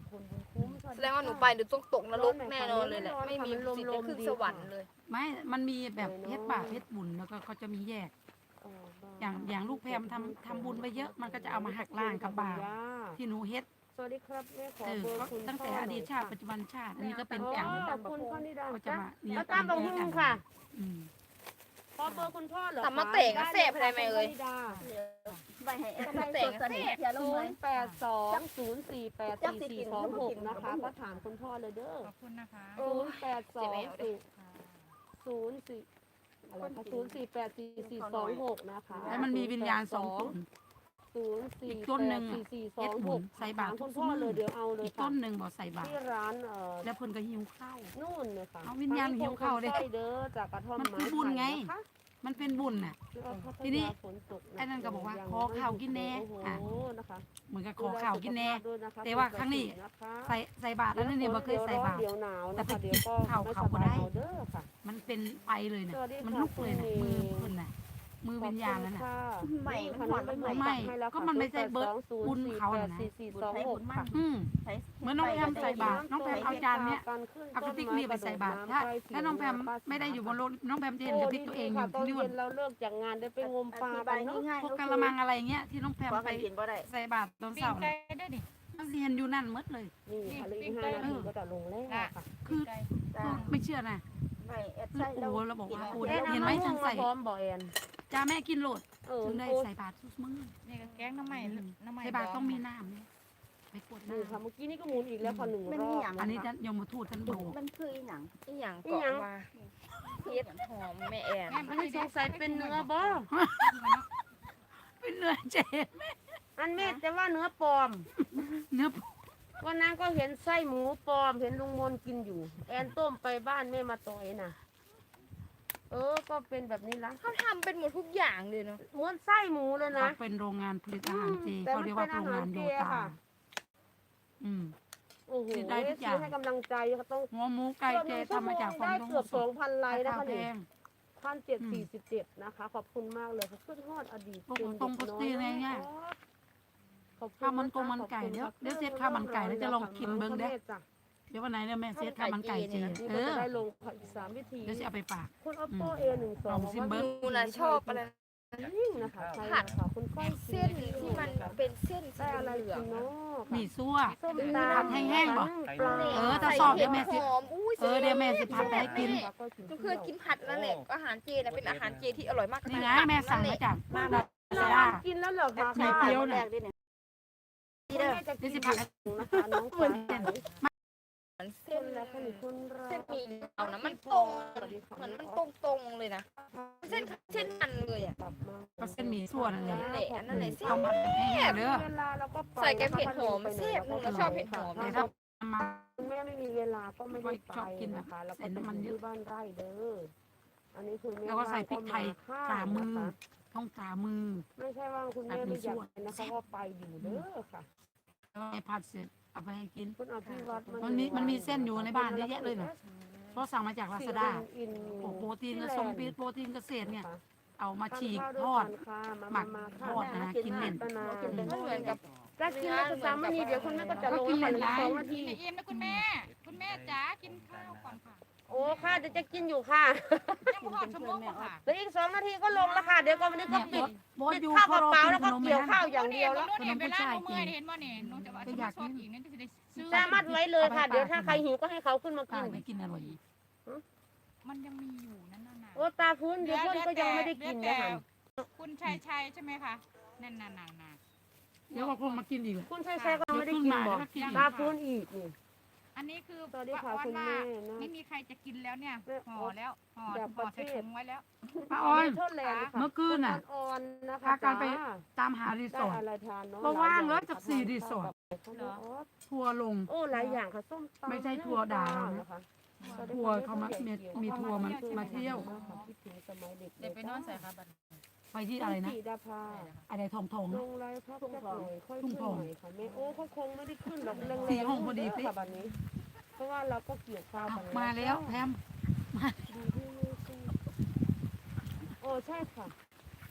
D: พลบุญคุ้ม
C: แสดงว่าหนูไปหนูต้องตกนรกแน่นอนเลยแหละไม่มีสิทธิ์ได้ขึ้นสวรรค์เลย
G: ไม่ มันมีแบบเพชรบาปเพชรบุญแล้วก็เขาจะมีแยก อย่างอย่างลูกแพมทำทำบุญไปเยอะมันก็จะเอามาหักล้างกับบาปที่หนูเฮ็ด
D: สวัสดีครับแม่ขอ
G: เออ
D: เบอ
G: ก็
D: ร์คุณ
G: ตั้งแต่อดีตชาติปัจจุบันชาติอันนี้ก็เป็นกรรม
D: ขอบคุณพ่อนิดา
G: ก็จะ
D: จ้ะ
G: มานี่
D: แล้วตามบังหุ่งค่ะ
G: อืม
D: ขอเบอร์คุณพ่อเหรอ
C: ตามมาเตะกระเสพอะไรไหมเอ่ย
H: ใบให้ใส่ตัวเสน่ห์อย่าลง
D: ศู
H: เลย
D: นย์แปดสองศูนย์สี่แปดสี่สี่สองหกนะคะก็ถามคุณพ่อเลยเด้อ
G: ขอบคุณนะคะ
D: ศูนย์แปดสองศูนย์สี่อะไรคะศูนย์สี่แปดสี่สี่สองหกนะคะ
G: แล้วมันมีวิญญาณสองตน
D: ศูนย์สี่
G: อีกต้นหนึ่ง
D: สี่สี่ส
G: เฮ็
D: อ
G: ด
D: ง
G: บุ
D: ห
G: ญ
D: ก
G: ใส่บาตร
D: ถม
G: ทุ
D: คุ
G: ก
D: ณพ่อ
G: มื้อ
D: เลยเดี๋ยวเอาเลย
G: อีก
D: ค่ะ
G: ต้นหนึ่งบ่ใส่บาตร
D: ที่ร้านเอ่อ
G: แล้วเพิ่นก็หิวข้าว
D: นู่นเลยค่ะ
G: เอาวิญญาณหิวเข้าเด้
D: ใช่เด้อจากกระท่อม
G: มันคือบุญไง
D: นะคะ
G: มันเป็นบุญน่ะ ทีนี้ไอ้นั่นก็บอกว่าขอข้าวกินแน่อ่ะ
D: โอ้นะคะ
G: เหมือนกับขอข้าวกินแน่
D: ด้วยนะคะ
G: แต่ว่าครั้งนี้
D: นะคะ
G: ใส่ใส่บาตรแล้วนั่นเนี่ยบ่เคยใส่บาตร
D: เดี๋ยวหนาว
G: แต่
D: นะ
G: ไป
D: คะ
G: กิ
D: เดี๋ย
G: น
D: วก็
G: ข้าว
D: ไม่
G: เขา
D: ส
G: ก็
D: บาย
G: ได้
D: เอาเด้อค่ะ
G: มันเป็นไฟเลยน่ะ
D: สวัสดี
G: มัน
D: ค่ะ
G: ลุกเลยน่ะ
D: คุณ
G: มือ
D: เมย์
G: เพิ่นน่ะมือวิญญาณนั่นน่ะ
H: ใหม่มันหอนมันใหม่
G: ไม่ก็มันไม่ใช่เบิร์ดบุญเขาน่ะนะ
D: สี่สี่สองหกค่ะ
G: อืม
H: ใช้
G: เหมือนน้องแพมใส่บาตรน้องแพมเอาจานเนี้ยเอากระติกนี่ไปใส่บาตรถ้าถ้าน้องแพมไม่ได้อยู่บนรถน้องแพมจะเห็นกระติกตัวเองอยู่
D: ตอน
G: ที่
D: เย็
G: นู่น
D: นเราเลิกจากงานได้ไปงมปลา
H: ใบ
D: กันเนาะ
H: ง่ายๆ
G: พวกกะละมังอะไรเงี้ยที่น้องแพม
H: พอ
G: ไป
H: กันกินบ่ได้
G: ใส่บาตรตอนเช้าน่ะมันเห็นอยู่นั่นหมดเลย
D: นี่ค่ะเหลืออีกห้านาทีก็จะลงแล้วค่ะ
G: คือคือไม่เชื่อนะ
H: ใบแอด
G: คือ
H: ใส่
G: โอ้โหเราบอกว่าโอ้
D: เอ็น
G: เห็นไหมฉันใส่
D: พร้อมบ่แอน
G: จ้าแม่กินโหลด
D: เออ
G: ถึงได้
D: โอ้
G: ใส่บาตรทุกมื้อ
I: นี่ก็แกงน้ำใหม่น้ำใหม่
G: ใส่บาตรต้องมีน้ำเนี่ยไปกด
D: นี่ค่ะ
G: น้ำ
D: เมื่อกี้นี่ก็หมุนอีกแล้วค่ะหนึ่งรอบ
G: อันนี้จะยมทูตท่านบอก
H: มันคืออีหนัง
C: อีหยังเกาะมาเฮ็ดหอมแม่แอน
D: อันนี้สงสัยเป็นเนื้อบ่
G: เป็นเนื้อเจน
D: อันแม่แต่ว่าเนื้อปลอม
G: เนื้อ
D: วันนั้นก็เห็นไส้หมูปลอมเห็นลุงมนกินอยู่ แอนต้มไปบ้านแม่มาต่อยน่ะ เออก็เป็นแบบนี้ละ
C: เขาทำเป็นหมดทุกอย่างเลยเนาะ
D: เหมือนไส้หมูเลยนะ
G: เขาเป็นโรงงานผลิตอาหารเจ
D: แต่
G: เขา
D: มัน
G: เรียก
D: เป็
G: ว่าน โร
D: อาง หาร
G: งานโย
D: เจ
G: ตา
D: ค่ะ
G: อืม
D: โอ้โห
G: ได้ทุกอย่าง
D: ซื้อให้กำลังใจเขาต้อง
G: หัวหมูไก่เจทำมาจากฟอง
D: ได้
G: นม
D: เกือบสองพันไลค์นะ
G: รา
D: คะ
G: คาแพ
D: นี่
G: ง
D: พันเจ็ดสี่สิบเจ็ดนะคะ ขอบคุณมากเลยค่ะขึ้นฮอดอดีต
G: พวกตรงปกติอะไรเงี้ย
D: ขอบคุณ
G: ข้าวมันกงมันไก่เดี๋ยวเดี๋ยวเสร็จข้าวมันไก่แล้วจะลองกินเบิ่งเด้อ เดี๋ยววันไหนเนี่ยแม่เซตข้าวมันไก่เจ
D: นี่
G: เอ
D: ก็
G: อ
D: จะได้ลงอีกสามวิธี
G: เดี๋ยวจะเอาไปฝาก
D: คุณ oppo a หนึ่งสอง
G: ลองซิมเบิ้ง
C: หนูน่ะชอบอะไร
D: ยิ่งนะคะใช่ค่ะคุณก้อย
C: เส้นที่มันเป็นเส้นสี
D: ได้อะไร
C: เหลือง
D: กินเนาะ
G: มีซั่ว
D: ส้ม
G: ผั
D: ตา
G: ดแห้งๆบ่
D: ปลา
G: เออถ้าชอบเดี๋ยวแม่สิ
C: หอมอุ้ย
G: เออเดี๋ยวแม่สิผัดให้กิน
C: หนูเคยกินผัดนั่นแหละอาหารเจน่ะเป็นอาหารเจที่อร่อยมาก
G: นี่ไงแม่สั่งมาจากบ้านเรา
D: น้
G: จ้า
D: องกินแล้วเหรอคะ
G: ไข่เจียวน่ะ
H: แรกดิเนี่ย
D: คุณแม่จะกินนะคะน้องฟ้าใส
C: เหมือนเส้น
D: และขนมคนรั
C: เส้น
D: ก
C: หมี่เอานะมันตรงเหมือนมันตรงตรงๆเลยนะเส้นเส้นมันเลยอ่ะ
D: กลับมา
G: ก็เส้นหมี่ซั่วนั่นแหละ
C: นั่นแหละอันนั่นแหละเส้
G: เอา
C: น
G: มาแห้งๆเด้อ
D: เวลาเราก็ไป
C: ใส่แกงเผ็ดหอมแซ่บหนูก็ชอบเผ็ดหอม
G: เดี๋ยวถ้ามา
D: คุณแม่ไม่มีเวลาก็ไม่ได้ไป
G: ชอบกินแบบ
D: นะคะแล้ว
G: ใส่
D: ก็
G: น้ำมัน
D: ไป
G: เย
D: ที่
G: อะ
D: บ้านไร่เด้ออันนี้คือแม่
G: แล้วก็ใส่พริกไทย
D: ข้า
G: ฝ่ามือ
D: นะคะ
G: ท้องฝ่ามือ
D: ไม่ใช่ว่าคุณแม่ไม่อยากไปนะคะก็ไปอยู่เด้อค่ะ
G: แล้วไอ้ผัดเสร็จเอาไปให้กิน
D: คุณอภิวัตร
G: มันมีมันมีเส้นอยู่ในบ้านเยอะแยะเลยน่ะ เพราะสั่งมาจากลาซาด้า
D: อิน
G: โอ้โปรตีนกระสงปีโปรตีนเกษตรเนี่ย
D: ค่ะ
G: เอามาฉีก
D: ทาน
G: ท
D: ข้าว
G: อด
D: ด้วยกันค่ะมา
G: หมัก
D: มา
G: ทอดนะกินเล่น
D: ป้านา
C: มันเหมือนกับ
D: ถ้ากินแล้วจะสามนาทีเดี๋ยวคุณแม่ก็จะลง
G: ก็กิน
D: ไป
G: หลายๆ
D: สองนาที
I: ไม่อิ่มนะคุณแม่ คุณแม่จ๋ากินข้าวก่อนค่ะ
D: โอ้ค่ะเดี๋ยวจะกินอยู่ค่ะ
I: ยังไม่พอชั่วโมงค่ะ
D: เดี๋ยวอีกสองนาทีก็ลงแล้วค่ะเดี๋ยวก็วันนี้ก็ปิด
G: บอส
D: ปิด
G: อยู่
D: ข้าว
G: พ
D: ก
G: อ
D: ระ
G: เรา
D: เป๋า
G: กิน
D: แล้ว
G: ข
D: ก็
G: นม
D: เกี่ยว
G: นะ
D: ข้าวอย่างเดียวแล้ว
I: หนูเนี่ยเวลาหนูเมื่อยเห็นบ่เนี่ยหนูจะว่าจะมาชอบอีกนั่นจะได้ซื้อ
D: สามารถไว้เลยค่ะ เดี๋ยวถ้าใครหิวก็ให้เขาขึ้นมา
G: ป้า
D: กิน
G: ไม่กินอร่อย
I: มันยังมีอยู่นั่นน่ะ
D: โอ้ตาพื้นเดี๋ยวเพื่อนก็ยังไม่ได้กินนะคะ
I: คุณชัยชัยใช่ไหมคะนั่นน่ะน่ะน่ะ
G: เดี๋ยวก็คงมากินอีกแหละ
D: คุณชัยชัยก็ยังไม่ได้กินบอกตาพื้นอีกนี่
I: อันนี้คือ
D: สวัสดีค่ะ
I: ว่า
D: คุณ
I: ว่า
D: แม่นะ
I: ไม่มีใครจะกินแล้วเนี่ยห่อแล้วห่อ
D: แบบป
I: ห่อ
D: ระเภท
I: ใส่ถุงไว้แล้ว
G: ป้าออน
D: โทษแลนด์ค่ะ
G: เมื่อคืนน่ะ
D: คุณอ่อนๆนะคะ
G: พากันไป
D: จ้า
G: ตามหารีส
D: ได้
G: อร์ท
D: อะไรทานเนาะ
G: เพราะว่างแล้วจากสี่รีสอร์ท
D: เหรอ
G: ทัวร์ลง
D: โอ้หลายอย่างค่ะส้มตำ
G: ไม่ใช่ทัวร์ด่าเรานะ
D: นะคะ
G: ทัวร์เขามามีมีทัวร์มามาเที่ยว
D: คิดถึงสมัยเด็ก
I: เดี๋ยวไปนอนใส่ค่ะบัด
G: ไปที่อะไรนะ
D: สีดาภา
G: อะไรทองทอง
D: ล
G: นะ
D: งไลฟ์พักสักหน่อยค่อย
G: ทุ่
D: ขึ้
G: ง
D: น
G: ทอง
D: หน่อยค่ะแม่โอ้เขาคงไม่ได้ขึ้นหรอกแรงๆ
G: สี่ห้องพอดีสิ
D: ค่ะบัดนี้ เพราะว่าเราก็เกี่ยวข้าว
G: อ้าว
D: กัน
G: มาแล้วแพม
D: โอ้ใช่ค่ะ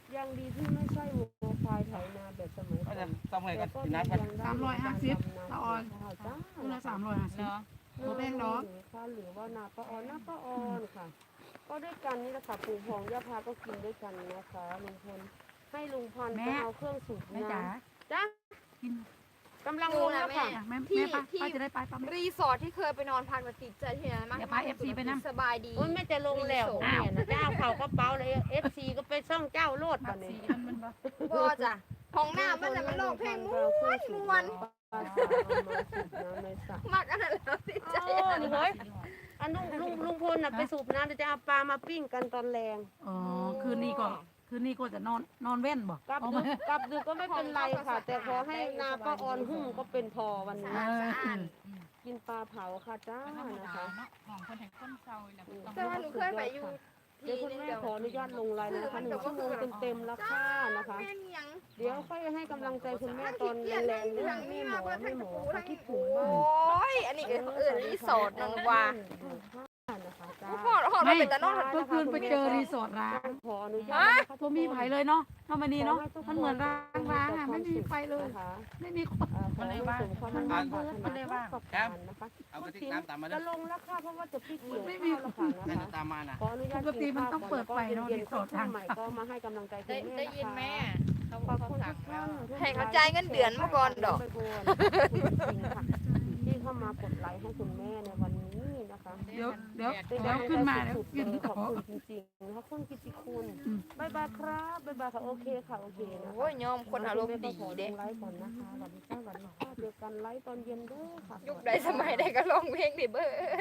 D: ยังดีที่ไม่ใช่วัวควายไถนาแบบสมัย
B: ก็
D: ก่อ
B: จะ
D: น
B: ต้องให้
D: แต่
B: กัน
D: ก็
B: กิน
D: ยัง
B: น้ำกัน
D: ได้
G: สามร้อยห้าสิบละออน
D: จ้า
G: คู่ละสามร้อยห้าสิบ
I: เนาะ
G: บ่แพงดอก
D: ค่ะหรือว่านาป้าออนนาป้าออนค่ะ ก็ด้วยกันนี่แหละค่ะปู่พองย่าพาก็กินด้วยกันนะคะลุงพลให้ลุงพันธุ์ไปเอาเครื่องสูบ
G: แม่จ๋า
D: น้ำจ้า
G: กิน
D: กำลังลงแล้วค่ะ
G: อ่ะแม่
C: ที่
G: แม่ป้า
C: ที่
G: ป้าจะได้ไปป้าแม่
C: รีสอร์ทที่เคยไปนอนพักติดใจที่นั้นมาก
G: เดี๋ยวพา เอฟ ซี ไปนำ
C: สบายดี
D: โอ้ยแม่จะลงแล้ว
G: อ้าว
D: เนี่ยนะเจ้าเขากระเป๋าเลยเอฟซีก็ไปซ่องเจ้าโลด
G: บั
D: ป่ะ
G: ก
D: เนี่
G: สี
D: ย
G: อันมันบ่
C: บ่จ้ะห้องน้ำมันน่ะมันร้องเพลงม้วนม้วน
D: เอามาสูบน้ำในสระ
C: มากอันนั้นแล้วติดใจ
D: โอ้นี่เฮ้ยอันลุงลุงลุงพลน่ะไปสูบน้ำเดี๋ยวจะเอาปลามาปิ้งกันตอนแรง
G: อ๋อคืนนี้ก็คืนนี้ก็จะนอนนอนเว้นบ่
D: กลับ
G: เอา
D: ดึ
G: มาก
D: กลับดึกก็ไม่เป็นไรค่ะ แต่ขอให้นาป้าออนหุ่งก็เป็นพอวันนี้
G: เออ
D: กินปลาเผาค่ะจ้า
I: ธรรม
D: นะ
I: ดา
D: คะ
I: เนาะของคนแห่งคนเศร้าแล้วก็ต้อง
C: แต่ว่าหนูเคยไปอยู่
D: เดี๋ยวคุณแม่ขออนุญาตลงไลน์นะคะหนึ่งชั่วโมงเต็มๆแล้วค่ะนะคะ
C: แม่นยัง
D: เดี๋ยวค่อยให้กำลังใจคุณแม่ตอนแรงๆเรื่องไม่หมอไม่หมอเขาคิดถึง
C: โอ
D: มาก้
C: ยอันนี้ก็เอื่นรีสอร์ทนังว่า
D: นะคะจ้า
C: พ่อพ่อเราเป็นตะนอน
G: เมื่อคืนไปเจอรีสอร์ทร้าง
D: ขออนุญาตนะคะ
G: ตัวมีไผเลยเนาะทำไมนี่เนาะมันเหมือนร้างร้างอ่ะไม่มีไฟเลย
D: นะคะ
G: ไม่มีคน
D: ขอให้สมความมุ่งมั่นปรารถนาทุกประการนะคะ
B: เอากระติกน้ำตามมาด้
D: จะ
B: วย
D: ลงแล้วค่ะเพราะว่าจะพลิกเกี่ยวข้าวแล้วค่ะ
B: ให้
D: นะคะ
B: ตามมานะ
D: ขออนุญาต
G: ปกติมันต้องเปิดไฟเนอะ
D: เย็น
G: รี
D: ๆ
G: สอร์ท
D: ขึ้นใหม่ก็มาให้กำลังใจคุณ
I: ได้
D: แม่
I: ได้
D: นะคะ
I: ยินแม่เขา
D: ขอบ
I: เขา
D: คุณ
I: สั่
D: ทุ
I: ง
D: กท่าน
C: ให้เขาจ่ายเงินเดือนมาก่อนดอก
D: ไปก่อนขอบคุณจริงๆค่ะที่เข้ามากดไลค์ให้คุณแม่ในวันนี้นะคะ
G: เดี๋ยวเดี๋ยว
D: เป็น
G: เดี๋ยวขึ้นมาแล้ว
D: สุด
G: กิน
D: เลย
G: ต่
D: ข
G: อ
D: อบคุณจริงๆนะคะคุณกิติคุณ
G: อืม
D: บายบายครับบายบายค่ะโอเคค่ะโอเคนะ
C: โอ้ยยอมคนอารมณ์ดี
D: ขอล
C: เด้
D: งไลฟ์ก่อนนะคะสวัสดีค่ะสวัสดีค่ะเจอกันไลฟ์ตอนเย็นเด้อค่ะ
C: ยุคใดสมัยใดก็ร้องเพลงดิเบิด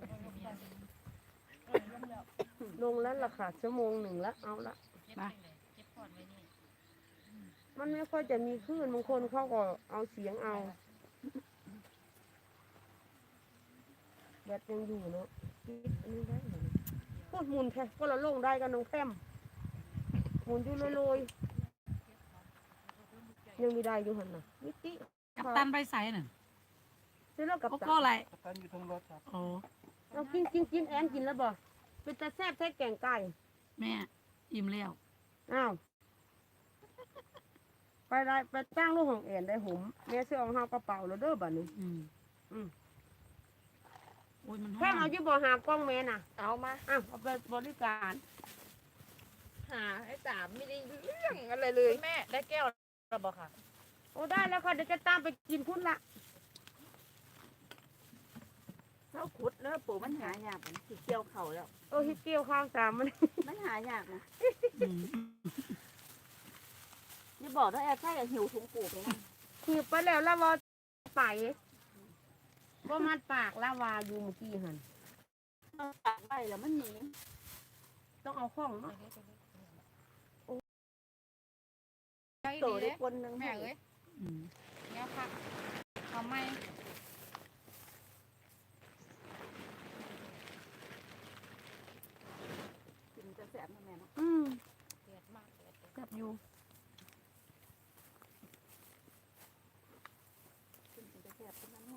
D: ลงแล้วล่ะค่ะชั่วโมงหนึ่งแล้วเอาละ
G: มา
D: มันไม่ค่อยจะมีคลื่นบางคนเขาก็เอาเสียงเอาแบตยังอยู่เนาะคิดอันนี้ได้เหรอพูดหมุนแค่ก็ละลงได้กันน้องแคมหมุนอยู่ลอยๆยังมีได้อยู่หันน่ะมิติ
G: กัปตันไปใส่น่ะ
D: เสร็จแล้วกับ
G: โกโก้อะไร
B: ตอนอยู่ตรงรถครับ
G: โอ้
D: เรากินกินกินแอนกินแล้วบ่เป็นตาแซ่บแท้แกงไก่
G: แม่อิ่มแล้ว
D: อ้าวไปได้ไปจ้างลูกของแอนได้หุมแม่ซื้อเอาเฮากระเป๋าแล้วเด้อบัดนี้
G: อืม
D: อืม
G: โอ้ยมัน
D: แค่
G: ห้อ
D: เอา
G: น
D: อยู่บ่หากล้องแม่น่ะ
C: เอามา
D: อ้าวเอาไปบริการ
C: หาไอ้สามไม่ได้เรื่องอะไรเลย
I: แม่ได้แก้วระบอกค่ะ
D: โอ้ได้แล้วค่ะเดี๋ยวจะตามไปกินพุ่นละ
H: เท่าขุดแล้วปู่มันหายากมันสิเกี่ยวเข่าแล้ว
D: โอ้ฮิเกี่ยวข้าวสามมัน
H: มันหายากนะ
G: อืม
H: อย่าบอกว่าแอบใช่กับหิวถุงปู่ไปนะ
D: ขีบไปแล้วแล้วว่าไปบ่มัดปากแล้วว่าอยู่เมื่อกี้หัน
H: เราตัดไปแล้วมันหนี
D: ต้องเอาข้องเนาะ
I: ใช่
H: โต
I: ดี
H: ได้
I: เด้
H: คนหนึง
I: แม่เอ้ย
G: อืม
I: เนี่ยค่ะทำไม
H: กินจะแสบนะแม่เนาะ
D: อืม
I: เดือดมากเดือด
D: จับอยู่
H: กินจะแสบเป็นนั้นว่า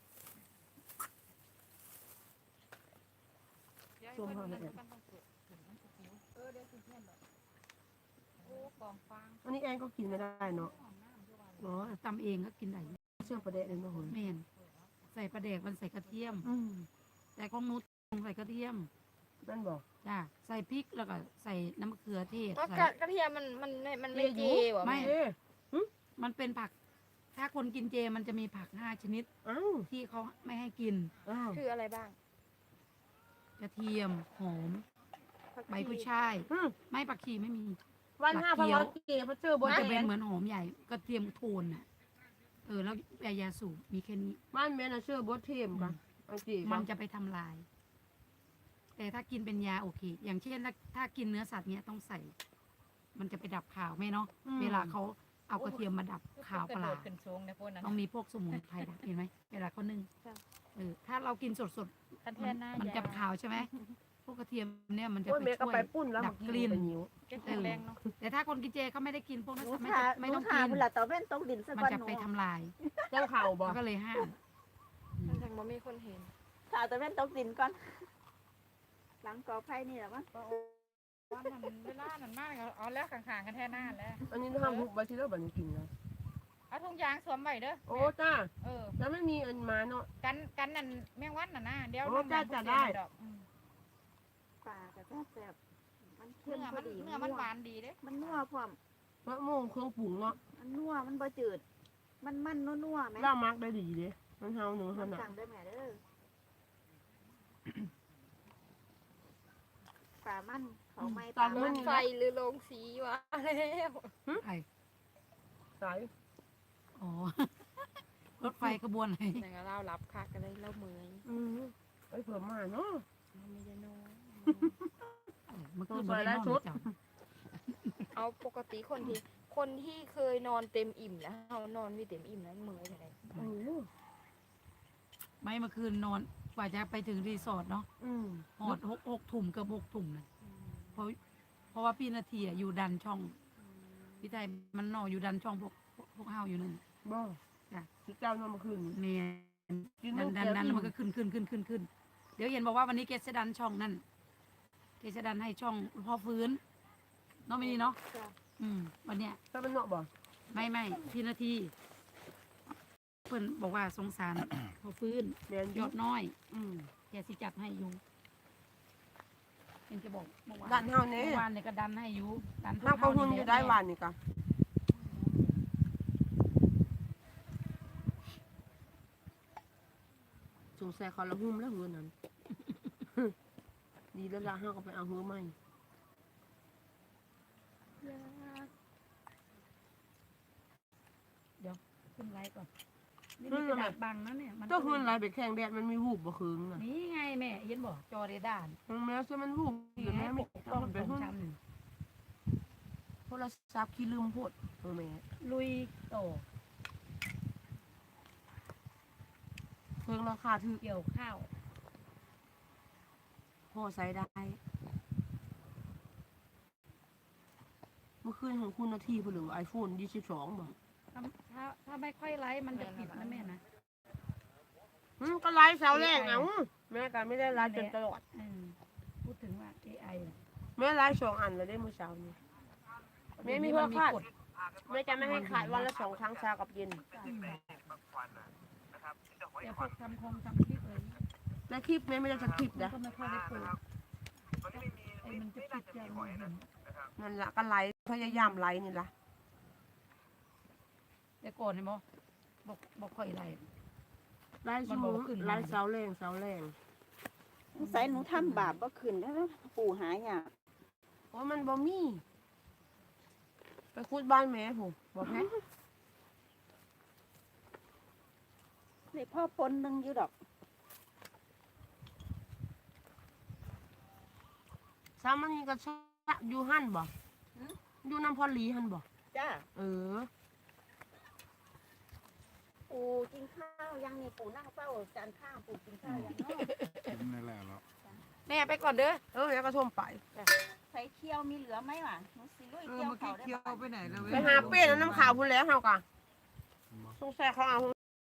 I: ชมเขาเนี่ยเออเดี๋ยวสิเพื่อนดอกโอ้กองฟาง
D: อันนี้แอนก็กินไม่ได้เนาะ
G: อ๋อตำเองก็กินได้
D: เชื่อประเด็นเลยเนาะ
G: แม่นใส่ปลาแดกมันใส่กระเทียม
D: อืม
G: แต่ของนุชใส่กระเทียม
D: นั่นบอก
G: จ้าใส่พริกแล้วก็ใส่น้ำมะเขือเทศ
C: ก็
G: ใส่
C: กระกระเทียมมันมันมันไม่เจว่ะ
G: ไม่
C: แม่
D: เอ๊ะ
G: มันเป็นผัก ถ้าคนกินเจมันจะมีผักห้าชนิด
D: อ้าว
G: ที่เขาไม่ให้กิน
D: อ้าว
C: คืออะไรบ้าง
G: กระเทียมหอมใบกุยช่าย
D: อืม
G: ไม่ผักชีไม่มี
D: วันห้าพันร้อยเกพระเจ้าบ
G: มัน
D: น
G: จะ
D: แอ
G: เป็น
D: น
G: เหมือนหอมใหญ่ กระเทียมโทนน่ะ เออแล้วยายาสูบมีแค่นี้
D: บ้านแม่น่ะเชื่อบดเทียมปะอันจี
G: มันจะไปทำลาย แต่ถ้ากินเป็นยาโอเค อย่างเช่นถ้าถ้ากินเนื้อสัตว์เนี้ยต้องใส่ มันจะไปดับข่าวไหมเนาะ เวลาเขาเอากระเทียมมาดับข่าวปลา
I: ขึ้นสูงในพวกนั้น
G: ต้องมีพวกสมุนไพรดับเห็นไหมเวลาเขานึ่งเออถ้าเรากินสด
I: คัน
G: ๆ
I: แท
G: มัน
I: นหน้า
G: มันจะขาวใช่ไหมพวกกระเทียมเนี่ยมันจะ
D: โอ้ย
G: ไป
D: แม่ก็
G: ช่วย
D: ไปปุ้นแล้ว
G: ดับกลิ่น
D: ไปหิว
I: แกแข็งแรงเนาะ
G: แต่ถ้าคนกินเจเขาไม่ได้กินพวกนั้น
H: หนู
G: ไม่
H: ทา
G: ไม่
H: หนู
G: ต้อง
H: ทา
G: กิน
H: เวลาตะเว้นต้องดินสัก
G: มัน
H: วัน
G: จะ
H: หนู
G: ไปทำลาย
D: เจ้าเข่าบ่
G: เขาก็เลยห้าม
C: มันยังบ่มีคนเห็น
H: ทาตะเว้นต้องดินก่อนหลังกอไผ่นี่แหละมั้ง
I: วันนั้นเวลานั้นมากเอาแล้วข้างๆกันแท้หน้าแล้ว
D: อันนี้ทำหุบไว้ที่เลิกบัดนี้กินนะ
I: เอาถุงยางสวมไว้เด้อ
D: โอ้จ้า
I: เออ
D: แล้วไม่มีอันมาเนาะ
I: กันกันนั่นแมงวันน่ะนะเดี๋ยว
D: โอ้จ้ะจ้ะได้
I: ดอกอืม
H: ปลาแต่ก็แซ่บมันเค็
I: เนื้
H: ม
I: อ
H: พ
I: มั
H: อน ดี
I: เนื้อมันหวานดีเด้
H: มันนัวพร้อม
D: มะม่วงเครื่องปรุงเนาะ
H: มันนัวมันบ่จืด มันมันนัวๆไหม
D: ล่ามักได้ดีเด้มันเฮาหนึ่งข
H: มัน
D: นาด
H: สั่งได้แม่เด้อปลามันเขาไม่ปลามัน
C: ไฟหรือโรงสีวะแล้ว
G: ไอ้
D: สาย
G: อ๋อ รถไฟขบวนไหน
C: อย่างเรารับคักกันเลยเราเมื่อย
D: อืมไปเพิ่มมาเนาะ
C: ไม่ได้นอน
G: เมื่อคืนบ่ได้นอนจ้ะ
C: เอาปกติคนที่คนที่เคยนอนเต็มอิ่มแล้วเรานอนไม่เต็มอิ่มนั้นเมื่อยอะไร
D: โอ้โห
G: ไม่เมื่อคืนนอนกว่าจะไปถึงรีสอร์ทเนาะ
D: อืม
G: หอดหกหกถุ่มเกือบหกถุ่มนะเพราะเพราะว่าพี่นาทีอะอยู่ดันช่องพี่ไทยมันนอนอยู่ดันช่องพวกพวกเฮาอยู่นั่น
D: บ่
G: จ้ะ
D: ที่เจ้านอนเมื่อคืนนี้
G: เนี่ย
D: กิน
G: ดันดันดันแล้วมันก็ขึ้นขึ้นขึ้นขึ้นขึ้นเดี๋ยวเห็นบอกว่าวันนี้เกษดันช่องนั่นเกษดันให้ช่องพ่อฟื้นเน้องไม่นี่เนาะอืมวันเนี้ย
D: ถ้ามันเนาะบ่
G: ไม่ไม่พี่นาทีเพิ่นบอกว่าสงสาร พ่อฟื้น
D: แม่น
G: ยอดน้อย
D: อืม
G: แกสิจัดให้อยู่เห็นจะบอกเมื่อวาน
D: ดันเฮาแน่
G: เมื่อวานเนี่ยก็ดันให้อยู่ดันพว
D: นั่ง
G: ก
D: เขา
G: เฮา
D: หุ่น
G: นี่
D: อยู่
G: แหละ
D: ได้วันนี่กะสงสัยเขาละหุ่มแล้วหือนั้น ดีแล้วล่ะเฮาก็ไปเอาหือใหม่
G: ขึ้นไลฟ์ก่อนนี่มันกระดาษบังนะเนี่ยมัน
D: เจ้าหืออะไรไปแข่งแดดมันมีวูบบ่คืนน่ะ
G: นี่ไงแม่เห็นบอกจอเรดาร์
D: แม้ซะมันวูบอยู่แม่ไม่
G: ต้
D: ต้
G: อ
D: อง ง
G: เป็
D: เป็น น
G: ชั้น
D: โทรศัพท์ขี้ลืมโพดเออแม่
G: ลุยโต
D: เพิ่งราคาถือ
G: เกี่ยวข้าว
D: พอใช้ได้ เมื่อคืนของคุณนาทีเพิ่นเหลือไอโฟนยี่สิบสองบ่
G: ถ้าถ้าถ้าไม่ค่อยไลฟ์มันจะปิดนะแม่นะ
D: อืมก็ไลฟ์เสาแรกเอาแม่ก็ไม่ได้ไลฟ์จนตลอด
G: อืมพูดถึงว่า เอ ไอ น่ะ
D: แม่ไลฟ์สองอันเลยได้เมื่อเช้านี้แม่มีเพื่อคาด
G: กฎ
D: แม่จะไม่ให้ขาดวันละสองครั้งเช้ากับเย็น
G: เดี๋ยวพวกทำคงทำคลิปเลย
D: และคลิปแม่ไม่ได้จะคลิป
G: มัน
D: นะ
G: ก็ไม่ค่อยได้เปิดไอ้มันจะปิดยังไง
D: นั่นละก็ไลฟ์พยายามไลฟ์นี่ละ
G: เดี๋ยวก่อนเนี่ยบอกบอกบอกค่อยไลฟ์
D: ไลฟ์
G: มัน
D: ชู
G: บอกว่าขึ้น
D: ไลฟ์เสาแรงเสาแรง
H: สงสัยหนูทำบาปบ่ขึ้นแล้วปู่หายาก
D: เพราะมันบ่มีไปคุดบ้านแม่ผมบอกแม่
H: ในพ่อปนหนึงอยู่ดอก
D: สามันนี่ก็ชะอยู่หั่นบ่อยู่น้ำพอลีหั่นบ่
H: จ้า
D: เออ
H: ปู่กินข้าวยังนี่ปู่นั่งเฝ้าจานข้าวปู่กินข้าวยังเนาะ
C: แม่ไปก่อนเด้อ
D: เออแล้วก็ท่วมไป
H: ใส่เคี่ยวมีเหลือไหมวะหนูสิลุย
F: เออ
H: เคี่ยว
F: เมื่อ
H: เขา
F: กี้
H: ได้
F: เคี้ยว
H: ไหม
F: ไปไหนแล้วเว้ย
D: ไปหาเป็ดแล้วน้ำขาวพูนแล้วเฮากะสงสัยเขาเอา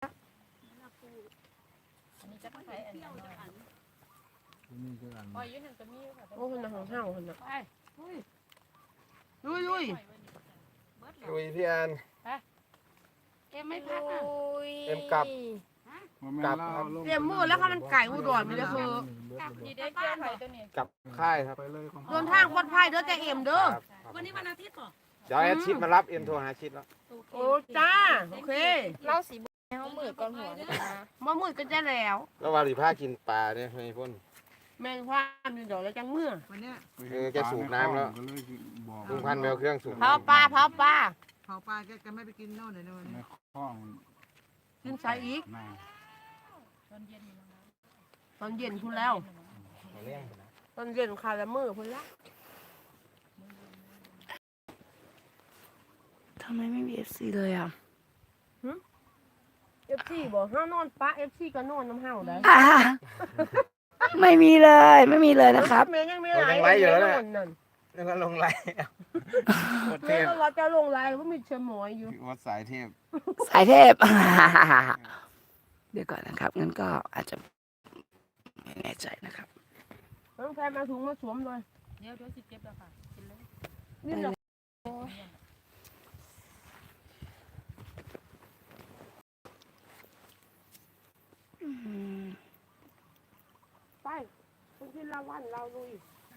I: อันนี้จะใช้อันนี้หน่อยอ๋อยืนหนึ่งจะมีค่ะ
D: โอ้คนน่ะของเฮาคนน่ะ
G: ไปอุ้ย
D: ลุยลุย
B: ลุยพี่แอน
G: เอ็มไม่พักอ่ะ
B: เอ็มกลับ กลับครับ
D: เตรียมมือแล้วค่ะมันไก่อุดรมันเลยคือ
I: ดีได้เกี่ยวไข่ตัวนี้
B: กลับค่ายครับ
D: เดินทางปลอดภัยเด้อแต่เอ็มเด้อ
B: ครับ
G: วันนี้วันอาทิตย์เหรอ
B: เดี๋ยวแอดชิดมารับเอ็มโทรหาชิดแล้ว
D: โอ้จ้าโอเค
C: เล่าสีบุญเขามือก่อนหัวนะ
D: บ่มืดก็จะแล้ว
B: แล้ววาริผ้ากินปลาเนี่ยให้พ่น
D: แม่นความอยู่ดอกแล้วจังมือ
F: วันเนี้ย
B: เออแกสูบน้ำแล้วลุงพันธุ์ไปเอาเครื่องสูบ
D: เผา
B: น้ำ
D: ปลาเผาปลา
F: เผาปลาแกก็ไม่ไปกินโน่นเลยนะวันนี้
D: ขึ้นใส่อีก
G: ตอนเย็นอยู่แล้วนะ
D: ตอนเย็นพุ่นแล้ว
B: เอาเรื่องนะ
D: ตอนเย็นคาละมือพุ่นแล้ว
A: ทำไมไม่มีเอฟซีเลยอ่ะ
D: เอฟซีบอกห้านอนปะเอฟซีก็นอนน้ำเฮาได้
A: อ่าไม่มีเลยไม่มีเลยนะครับ
D: แม่ยังมีหลายนั่นนั่น
B: แล้วก็ลงไลน์กดเท
D: แม่
B: พ
D: ก็เราจะลงไลน์ว่ามีเชมอยอยู่
B: วัดสายเทพ
A: สายเทพ เดี๋ยวก่อนนะครับงั้นก็อาจจะไม่แน่ใจนะครับ
D: น้องแพรมาถุงมาสวมเลย
I: เดี๋ยวเดี๋ยวสิเก็บแล้วค่ะกินเลย
D: นี่เหรอ
A: อืม
D: ไปคุณพิลาวันเราลุย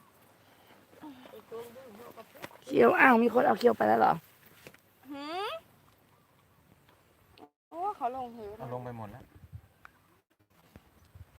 A: เคี้ยวอ้าวมีคนเอาเคี้ยวไปแล้วเหรอ
C: หืมโอ้เขาลงหือ
B: เอาลงไปหมดแล้ว